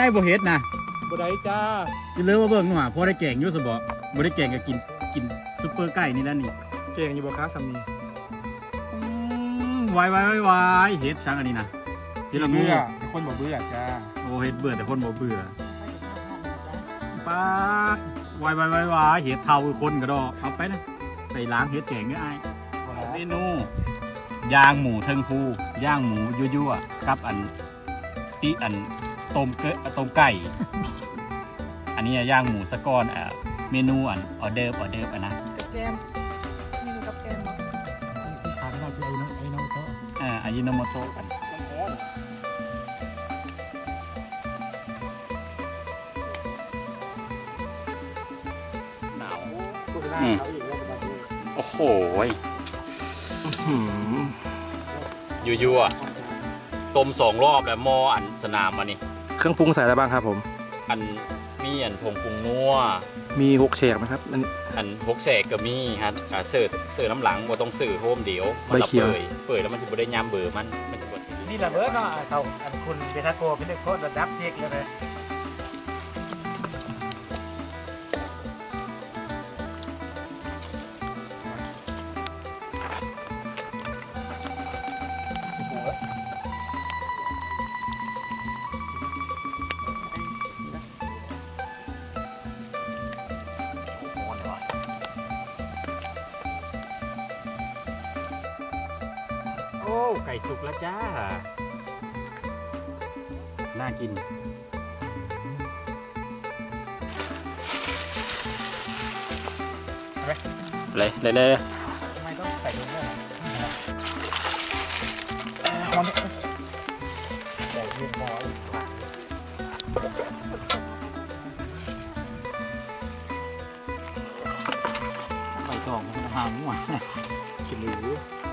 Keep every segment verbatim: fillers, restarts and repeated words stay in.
บ่เฮ็ดนะบ่ได้จ้าจะเลิกว่าเบิ่งหน่อยพอได้แกงอยู่ซะบ่บ่ได้แกงก็กินกินซุปเปอร์ไก่นี่แล้วนี่เก่งอยู่บ่คะสามีอืมวายวายวายวายเฮ็ดช่างอันนี้นะเฮ็ดละงูเบื่อคนบ่เบื่อจ้าโอ้เฮ็ดเบื่อแต่คนบ่เบื่อป้าวายวายวายวายเฮ็ดเท่าคือคนก็ดอกเอาไปนะไปล้างเฮ็ดแกงเด้ออ้ายเมนูย่างหมูเทิงภูย่างหมูยั่วๆกับอันที่อันต้มเกะต้มไก่ อันนี้ย่างหมูสะก้อนอ่ะเมนูอันออเดอร์ออเดอร์อันนะกับแกมนี่กับแกมบ่ที่ขาดไม่ได้คือไอ้น้องไอ้น้องโตอ่าอายิโนโมโตะกันหนาวตัวหน้าเขาอีกแล้วประมาณนี้โอ้โหยั่วๆต้มสองรอบแล้วหม้ออันสนามมานี่เครื่องปรุงใส่อะไรบ้างครับผมอันมีอันผงปรุงนัวมีหกแฉกไหมครับอันอันพกแสกก็มีฮะอ่าเสิร์ฟเสิร์ฟน้ำหลังบ่ต้องซื้อโฮมเดียวมัใบละเขียวเปื่อยเปื่อยแล้วมันจะบ่ได้ยามเบื่อมันมันจะบ่นี่แหละเบิร์ดเนาะเขาอันคุณเบทาโกเป็นเด็กโคตรระดับเจ๊กเลยนะโอ้ไก่สุกแล้วจ้าน่ากินเลยเลยเลยทำไมต้องใส่ลงด้วยใส่เรียบร้อยไก่ตองมันหาหมู่กินหรือ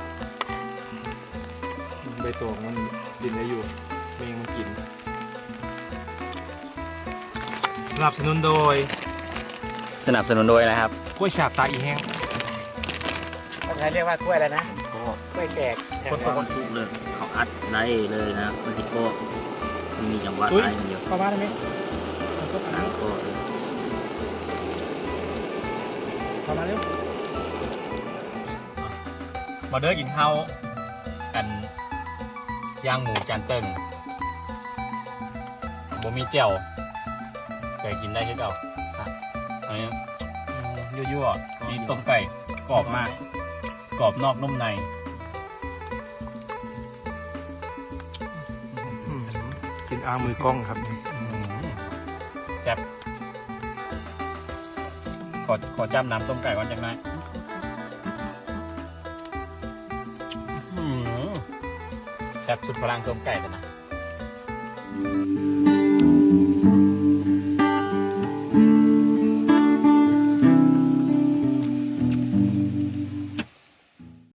ใบตองมันกินได้อยู่เมงมันกินสนับสนุนโดยสนับสนุนโดยนะครับกล้วยฉาบตาอีแห้งภาษาเรียกว่ากล้วยอะไรนะก็กล้วยแขกคนตอนสุกเลยเขาอัดได้เลยนะมันจะก็มันมีจังหวะได้มันอยู่เข้ามาได้ไหมน้ำก็เข้ามาเร็วมาเด้อกินข้าวกันย่างหมูจานเติงบ่มีเจียวแต่กินได้คือเก่าครับอันนี้อืมยั่วๆมีต้มไก่กรอบมากกรอบนอกนุ่มในกินอามือกล้องครับอืมแซ่บขอขอจ้ำน้ำต้มไก่ก่อนจังไหมอื้อหือแซ่บสุดพลังต้มไก่กันนะ